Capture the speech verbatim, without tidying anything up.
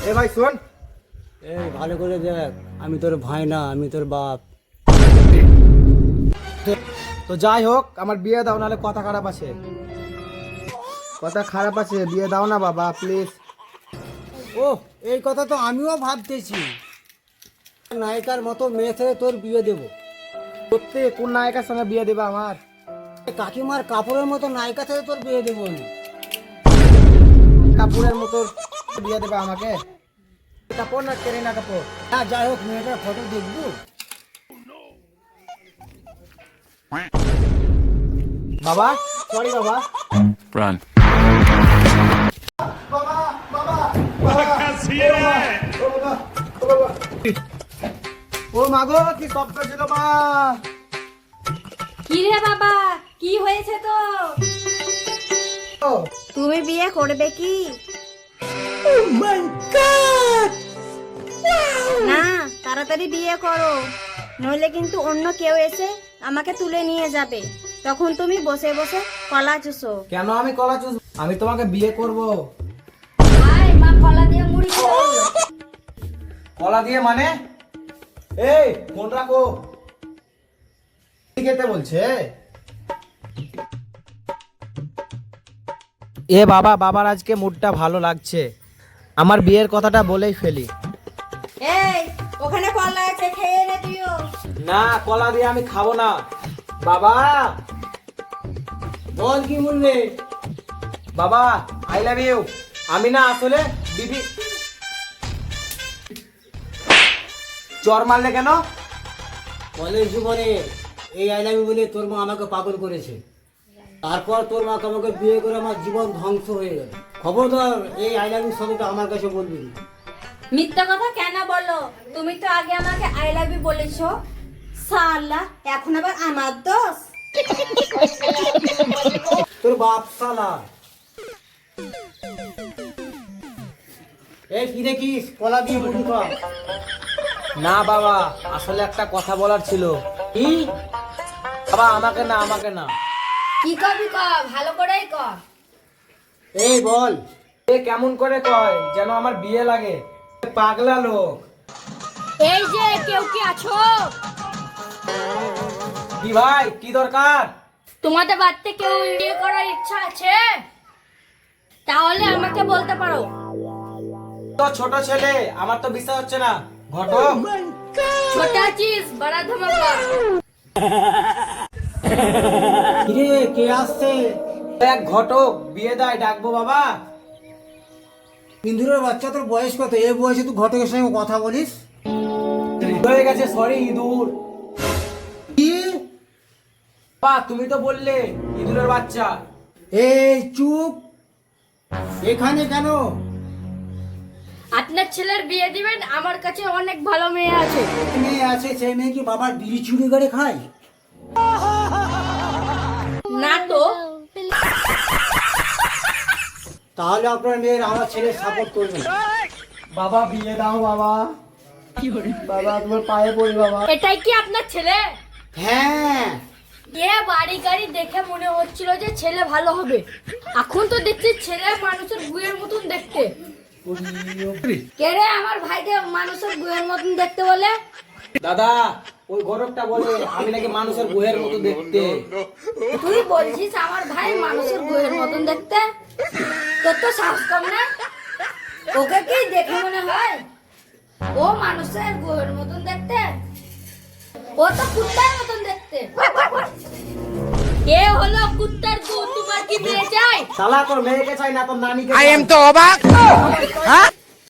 এ ভাই শোন, এই ভালো করে দেখ, আমি তোর ভাই না, আমি তোর বাপ। তো যাই হোক আমার বিয়ে দাও, নাহলে কথা খারাপ আছে। কথা খারাপ আছে, বিয়ে দাও না বাবা প্লিজ। ও, এই কথা তো আমিও ভাবতেছি, নায়িকার মতো মেয়ে থেকে তোর বিয়ে দেবো। সত্যি কোন নায়িকার সঙ্গে বিয়ে দেবে আমার? কাকিমার কাপড়ের মতো নায়িকা থেকে তোর বিয়ে দেবো আমি। কাপুরের মতো বিয়ে দেবে আমাকে? কাপড় না কেরিনা কাপুর? হ্যাঁ, যাই হোক মেয়েটার ফটো দেখবো। বাবা সরি বাবা। Run. ও মাগো কি শব্দ ছিল মা? কি রে বাবা, কি হয়েছে তো? তুমি বিয়ে করবে কি? না, তাড়াতাড়ি বিয়ে করো, নইলে কিন্তু অন্য কেউ এসে আমাকে তুলে নিয়ে যাবে। তখন তুমি বসে বসে কলা চুষো। কেন আমি কলা চুষ? আমি তোমাকে বিয়ে করব। আয় মা, কলা দিয়ে মুড়ি খাও। কলা দিয়ে মানে? এই ফোন রাখো, কি খেতে বলছে? এ বাবা, বাবার আজকে মুডটা ভালো লাগছে, আমার বিয়ের কথাটা বলেই ফেলি। এই, ওখানে কলা আছে, খেয়ে নে তুইও। না, কলা দিয়ে আমি খাবো না। বাবা বল কি বলবে? বাবা আই লাভ ইউ। আমি না আসলে বিবি। চর মারলে কেন? কলেজ জীবনে এই আই লাভ ইউ বলে তোর মা আমাকে পাগল করেছে। তারপর তোর মাকে আমাকে বিয়ে করে আমার জীবন ধ্বংস হয়ে গেল। খবরদার এই আই লাভ ইউ শব্দটা আমার কাছে বলবি না। মিথ্যা কথা কেন বলো? তুমি তো আগে আমাকে আই লাভ ইউ বলেছো। সালা, এখন আবার আমার দোষ? তোর বাপ শালা। এই কি দেখিস, কলা দিয়ে মুড়ি খা। না বাবা, আসলে একটা কথা বলার ছিল। কি? বাবা আমাকে না, আমাকে না। কি করবি কর, ভালো করেই কর। এই বল। এ কেমন করে কয় যেন আমার বিয়ে লাগে? পাগলা লোক। এই যে কেউ কি আছো? কি ভাই, কি দরকার? তোমাদের বাড়িতে কেউ বিয়ে করার ইচ্ছা আছে? তাহলে আমাকে বলতে পারো। তো ছোট ছেলে, আমার তো বিশ্বাস হচ্ছে না। ঘটক ছোটা চিজ বড়া ধমাকা। কিরে, কে আসছে? এক ঘটক বিয়ে দেয়, ডাকবো বাবা? ইন্দুরের বাচ্চা, তোর বয়স কত? এই বয়সে তুই ঘটকের সঙ্গে কথা বলিস? হয়ে গেছে, সরি ইঁদুর। কি? বাবা তুমি তো বললে ইঁদুরের বাচ্চা। এই চুপ, এখানে কেন? আপনার ছেলের বিয়ে দিবেন, আমার কাছে অনেক ভালো মেয়ে আছে। মেয়ে আছে, সেই মেয়ে কি বাবার বিড়ি চুরি করে খায়? না তো। তাহলে আপনার মেয়ের আমার ছেলে সাপোর্ট করবে না। বাবা বিয়ে দাও বাবা। বাবা তোমার পায়ে পড়ি বাবা। এটাই কি আপনার ছেলে? হ্যাঁ। এ বাড়ি গাড়ি দেখে মনে হচ্ছিল যে ছেলে ভালো হবে, এখন তো দেখছি ছেলে মানুষের গুয়ের মতন দেখতে। কে রে আমার ভাইকে মানুষের গুয়ের মতন দেখতে বলে? দাদা ওই ঘটকটা বলে আমি নাকি মানুষের গুহের মতো দেখতে। তুই বলছিস আমার ভাই মানুষের গুয়ের মতন দেখতে? তোর তো সাহস কম না? ওকে কি দেখে মনে হয় ও মানুষের গুয়ের মতন দেখতে? ও তো কুত্তার মতন দেখতে। কে হলো কুত্তার গু? তোমার কি মেয়ে চাই? শালা তোর মেয়েকে চাই না, তোর নানিকে I চাই। am তো অবাক। হ্যাঁ?